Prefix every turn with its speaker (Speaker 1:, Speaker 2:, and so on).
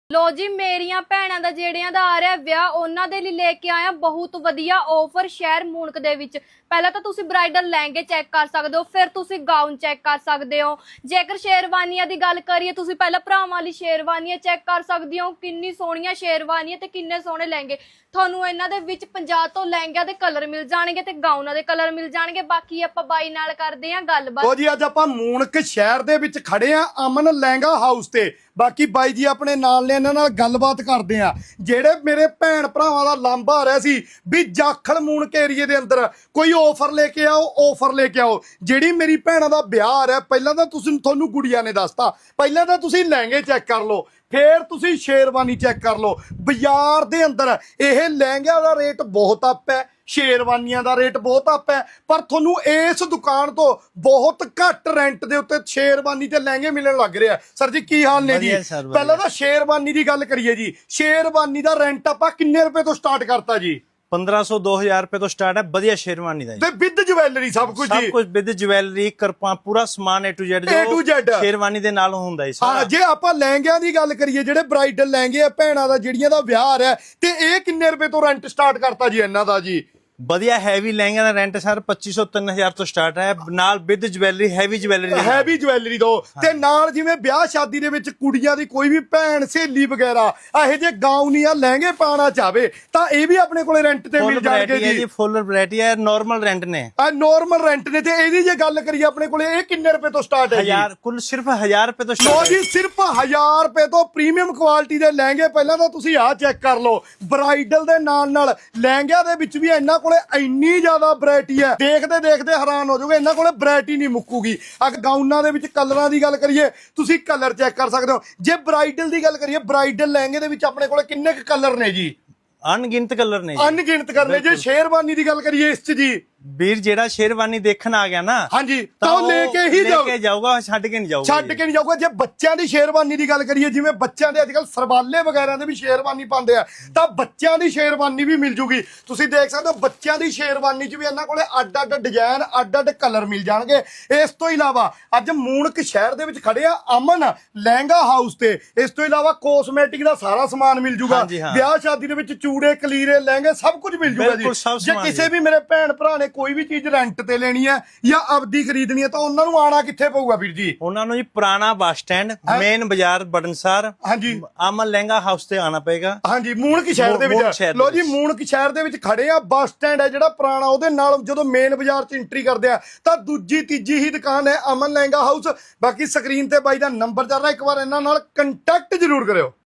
Speaker 1: लो जी मेरिया भैणां दा जेड़ियां दा आ रहा विआह उन्हां दे लई लेके आया बहुत वधिया ऑफर शहर मूनक दे विच। पहला तो तुसी ब्राइडल लहंगे चेक कर सकते हो, फिर तुसी गाउन चेक कर सकते हो। जेकर शेरवानियां दी गल करिए तुसी पहला भरावां वाली शेरवानियां चेक कर सकते हो, किन्नी सोहणियां शेरवानियां ते किन्ने सोहणे लहंगे। ਤੁਹਾਨੂੰ ਇਹਨਾਂ ਦੇ ਵਿੱਚ 50 ਤੋਂ ਲਹਿੰਗਿਆਂ ਦੇ ਕਲਰ ਮਿਲ ਜਾਣਗੇ ਤੇ ਗਾਊਨਾਂ ਦੇ ਕਲਰ ਮਿਲ ਜਾਣਗੇ। ਬਾਕੀ ਆਪਾਂ ਬਾਈ ਨਾਲ ਕਰਦੇ ਆਂ ਗੱਲਬਾਤ।
Speaker 2: ਲੋ ਜੀ ਅੱਜ ਆਪਾਂ ਮੂਨਕ ਸ਼ਹਿਰ ਦੇ ਵਿੱਚ ਖੜੇ ਆਂ ਅਮਨ ਲਹਿੰਗਾ ਹਾਊਸ ਤੇ। ਬਾਕੀ ਬਾਈ ਜੀ ਆਪਣੇ ਨਾਲ ਨੇ, ਇਹਨਾਂ ਨਾਲ ਗੱਲਬਾਤ ਕਰਦੇ ਆਂ। ਜਿਹੜੇ ਮੇਰੇ ਭੈਣ ਭਰਾਵਾਂ ਦਾ ਲਾਂਭਾ ਆ ਰਿਹਾ ਸੀ ਵੀ ਜਾਖਲ ਮੂਨਕ ਏਰੀਏ ਦੇ ਅੰਦਰ ਕੋਈ ਆਫਰ ਲੈ ਕੇ ਆਓ, ਆਫਰ ਲੈ ਕੇ ਆਓ। ਜਿਹੜੀ ਮੇਰੀ ਭੈਣਾਂ ਦਾ ਵਿਆਹ ਆ ਰਿਹਾ, ਪਹਿਲਾਂ ਤਾਂ ਤੁਹਾਨੂੰ ਗੁੜੀਆ ਨੇ ਦੱਸਤਾ, ਪਹਿਲਾਂ ਤਾਂ ਤੁਸੀਂ ਲਹਿੰਗੇ ਚੈੱਕ ਕਰ ਲਓ, ਫੇਰ ਤੁਸੀਂ ਸ਼ੇਰਵਾਨੀ ਚੈੱਕ ਕਰ ਲਓ। ਬਾਜ਼ਾਰ ਦੇ ਅੰਦਰ ਇਹ ਲਹਿੰਗਿਆਂ ਦਾ ਰੇਟ ਬਹੁਤ ਅੱਪ ਹੈ, ਸ਼ੇਰਵਾਨੀਆਂ ਦਾ ਰੇਟ ਬਹੁਤ ਅੱਪ ਹੈ, ਪਰ ਤੁਹਾਨੂੰ ਇਸ ਦੁਕਾਨ ਤੋਂ ਬਹੁਤ ਘੱਟ ਰੈਂਟ ਦੇ ਉੱਤੇ ਸ਼ੇਰਵਾਨੀ ਤੇ ਲਹਿੰਗੇ ਮਿਲਣ ਲੱਗ ਰਿਹਾ। ਸਰ ਜੀ ਕੀ ਹਾਲ ਨੇ ਜੀ? ਪਹਿਲਾਂ ਤਾਂ ਸ਼ੇਰਵਾਨੀ ਦੀ ਗੱਲ ਕਰੀਏ ਜੀ। ਸ਼ੇਰਵਾਨੀ ਦਾ ਰੈਂਟ ਆਪਾਂ ਕਿੰਨੇ ਰੁਪਏ ਤੋਂ ਸਟਾਰਟ ਕਰਤਾ ਜੀ?
Speaker 3: 1500 2000 रुपए तो स्टार्ट है बढ़िया शेरवानी का
Speaker 2: ਤੇ ਵਿਦ ਜਵੈਲਰੀ ਸਭ ਕੁਝ ਜੀ,
Speaker 3: सब कुछ विद ज्वेलरी करपा पूरा समान A to Z
Speaker 2: A to Z
Speaker 3: sherwani ਦੇ ਨਾਲ ਹੁੰਦਾ ਹੈ
Speaker 2: ਹਾਂ। ਜੇ ਆਪਾਂ ਲਹਿੰਗਿਆਂ ਦੀ ਗੱਲ ਕਰੀਏ, ਜਿਹੜੇ ਬ੍ਰਾਈਡਲ ਲਹਿੰਗੇ ਆ ਭੈਣਾਂ ਦਾ ਜਿਹੜੀਆਂ ਦਾ ਵਿਆਹ ਆ ਰਿਹਾ, ਤੇ ਇਹ ਕਿੰਨੇ ਰੁਪਏ ਤੋਂ ਰੈਂਟ ਸਟਾਰਟ ਕਰਤਾ ਜੀ ਇਹਨਾਂ ਦਾ ਜੀ?
Speaker 3: ਵਧੀਆ ਹੈਵੀ ਲਹਿੰਗਾ ਦਾ ਰੈਂਟ ਸਰ 2500 3000 ਤੋਂ ਸਟਾਰਟ ਹੈ, ਨਾਲ ਵਿਦ ਜਵੈਲਰੀ ਹੈਵੀ ਜਵੈਲਰੀ ਦੋ। ਤੇ ਨਾਲ ਜਿਵੇਂ ਵਿਆਹ ਸ਼ਾਦੀ ਦੇ ਵਿੱਚ ਕੁੜੀਆਂ ਦੀ ਕੋਈ ਵੀ ਭੈਣ ਸਹੇਲੀ ਵਗੈਰਾ ਇਹੋ ਜਿਹੇ ਗਾਊਨ ਜਾਂ ਲਹਿੰਗੇ ਪਾਣਾ ਚਾਹਵੇ ਤਾਂ ਇਹ ਵੀ ਆਪਣੇ ਕੋਲੇ ਰੈਂਟ ਤੇ ਮਿਲ ਜਾਣਗੇ ਜੀ। ਫੁੱਲ ਵੈਰਾਈਟੀ ਹੈ, ਨਾਰਮਲ ਰੈਂਟ ਨੇ,
Speaker 2: ਨਾਰਮਲ ਰੈਂਟ ਨੇ। ਤੇ ਇਹਦੀ ਜੇ ਗੱਲ ਕਰੀਏ ਆਪਣੇ ਕੋਲੇ ਇਹ ਕਿੰਨੇ ਰੁਪਏ ਤੋਂ ਸਟਾਰਟ ਹੈ ਜੀ?
Speaker 3: ਕੁੱਲ ਸਿਰਫ 1000 ਰੁਪਏ ਤੋਂ
Speaker 2: ਲੋ ਜੀ, ਸਿਰਫ 1000 ਰੁਪਏ ਤੋਂ ਪ੍ਰੀਮੀਅਮ ਕੁਆਲਿਟੀ ਦੇ ਲਹਿੰਗੇ। ਪਹਿਲਾਂ ਤਾਂ ਤੁਸੀਂ ਆਹ ਚੈੱਕ ਕਰ ਲਓ, ਬ੍ਰਾਈਡਲ ਦੇ ਨਾਲ ਲਹਿੰਗਿਆਂ ਦੇ ਵਿੱਚ ਵੀ ਇਹਨਾਂ ਕੋਲੇ ਇੰਨੀ ਜ਼ਿਆਦਾ ਵੈਰਾਈਟੀ ਹੈ, ਦੇਖਦੇ ਹੈਰਾਨ ਹੋ ਜਾਓਗੇ। ਇਹਨਾਂ ਕੋਲੇ ਵੈਰਾਈਟੀ ਨਹੀਂ ਮੁੱਕੂਗੀ। ਗਾਊਨਾਂ ਦੇ ਵਿੱਚ ਕਲਰਾਂ ਦੀ ਗੱਲ ਕਰੀਏ, ਤੁਸੀਂ ਕਲਰ ਚੈੱਕ ਕਰ ਸਕਦੇ ਹੋ। ਜੇ ਬ੍ਰਾਈਡਲ ਦੀ ਗੱਲ ਕਰੀਏ, ਬ੍ਰਾਈਡਲ ਲਹਿੰਗੇ ਦੇ ਵਿੱਚ ਆਪਣੇ ਕੋਲੇ ਕਿੰਨੇ ਕੁ ਕਲਰ ਨੇ ਜੀ?
Speaker 3: ਅਣਗਿਣਤ ਕਲਰ ਨੇ,
Speaker 2: ਅਣਗਿਣਤ ਕਲਰ ਨੇ। ਜੇ ਸ਼ੇਰਵਾਨੀ ਦੀ ਗੱਲ ਕਰੀਏ ਇਸ 'ਚ ਜੀ,
Speaker 3: ਵੀਰ ਜਿਹੜਾ ਸ਼ੇਰਵਾਨੀ ਦੇਖਣ ਆ ਗਿਆ ਨਾ,
Speaker 2: ਹਾਂਜੀ, ਤਾਂ ਉਹ ਲੈ ਕੇ ਹੀ
Speaker 3: ਜਾਊਗਾ, ਛੱਡ ਕੇ ਨਹੀਂ ਜਾਊਗਾ।
Speaker 2: ਜੇ ਬੱਚਿਆਂ ਦੀ ਸ਼ੇਰਵਾਨੀ ਦੀ ਗੱਲ ਕਰੀਏ, ਜਿਵੇਂ ਬੱਚਿਆਂ ਦੇ ਅੱਜਕੱਲ ਸਰਬਾਲੇ ਵਗੈਰਾ ਦੇ ਵੀ ਸ਼ੇਰਵਾਨੀ ਪਾਉਂਦੇ ਆ, ਤਾਂ ਬੱਚਿਆਂ ਦੀ ਸ਼ੇਰਵਾਨੀ ਵੀ ਮਿਲ ਜੂਗੀ। ਤੁਸੀਂ ਦੇਖ ਸਕਦੇ ਹੋ ਬੱਚਿਆਂ ਦੀ ਸ਼ੇਰਵਾਨੀ 'ਚ ਵੀ ਇਹਨਾਂ ਕੋਲੇ ਅੱਡ-ਅੱਡ ਡਿਜ਼ਾਈਨ, ਅੱਡ-ਅੱਡ ਕਲਰ ਮਿਲ ਜਾਣਗੇ। ਇਸ ਤੋਂ ਇਲਾਵਾ ਅੱਜ ਮੂਨਕ ਸ਼ਹਿਰ ਦੇ ਵਿੱਚ ਖੜੇ ਆ ਅਮਨ ਲਹਿੰਗਾ ਹਾਊਸ ਤੇ। ਇਸ ਤੋਂ ਇਲਾਵਾ ਕੋਸਮੈਟਿਕ ਦਾ ਸਾਰਾ ਸਮਾਨ ਮਿਲ ਜੂਗਾ। ਵਿਆਹ ਸ਼ਾਦੀ ਦੇ ਵਿੱਚ ਚੂੜੇ, ਕਲੀਰੇ, ਲਹਿੰਗੇ ਸਭ ਕੁਝ ਮਿਲ ਜੂਗਾ ਜੀ। ਜੇ ਕਿਸੇ ਵੀ ਮੇਰੇ ਭੈਣ ਭਰਾ ਨੇ ਕੋਈ ਵੀ ਚੀਜ਼ ਰੈਂਟ ਤੇ ਲੈਣੀ ਹੈ ਜਾਂ ਆਪਦੀ ਖਰੀਦਣੀ ਹੈ ਤਾਂ ਉਹਨਾਂ ਨੂੰ ਆਣਾ ਕਿੱਥੇ ਪਊਗਾ ਵੀਰ ਜੀ?
Speaker 3: ਉਹਨਾਂ ਨੂੰ ਜੀ ਪੁਰਾਣਾ ਬੱਸ ਸਟੈਂਡ, ਮੇਨ ਬਾਜ਼ਾਰ ਬੜਨਸਾਰ,
Speaker 2: ਹਾਂਜੀ,
Speaker 3: ਅਮਨ ਲਹਿੰਗਾ ਹਾਊਸ ਤੇ ਆਣਾ ਪਏਗਾ।
Speaker 2: ਹਾਂਜੀ, ਮੂਨਕ ਸ਼ਹਿਰ ਦੇ ਵਿੱਚ। ਲੋ ਜੀ, ਮੂਨਕ ਸ਼ਹਿਰ ਦੇ ਵਿੱਚ ਖੜੇ ਆ। ਬੱਸ ਸਟੈਂਡ ਹੈ ਜਿਹੜਾ ਪੁਰਾਣਾ, ਉਹਦੇ ਨਾਲ ਜਦੋਂ ਮੇਨ ਬਾਜ਼ਾਰ 'ਚ ਐਂਟਰੀ ਕਰਦੇ ਆ ਤਾਂ ਦੂਜੀ ਤੀਜੀ ਹੀ ਦੁਕਾਨ ਹੈ ਅਮਨ ਲਹਿੰਗਾ ਹਾਊਸ। ਬਾਕੀ ਸਕਰੀਨ ਤੇ ਬਾਈ ਦਾ ਨੰਬਰ ਚੱਲ ਰਿਹਾ, ਇੱਕ ਵਾਰ ਇਹਨਾਂ ਨਾਲ ਕੰਟੈਕਟ ਜ਼ਰੂਰ ਕਰਿਓ।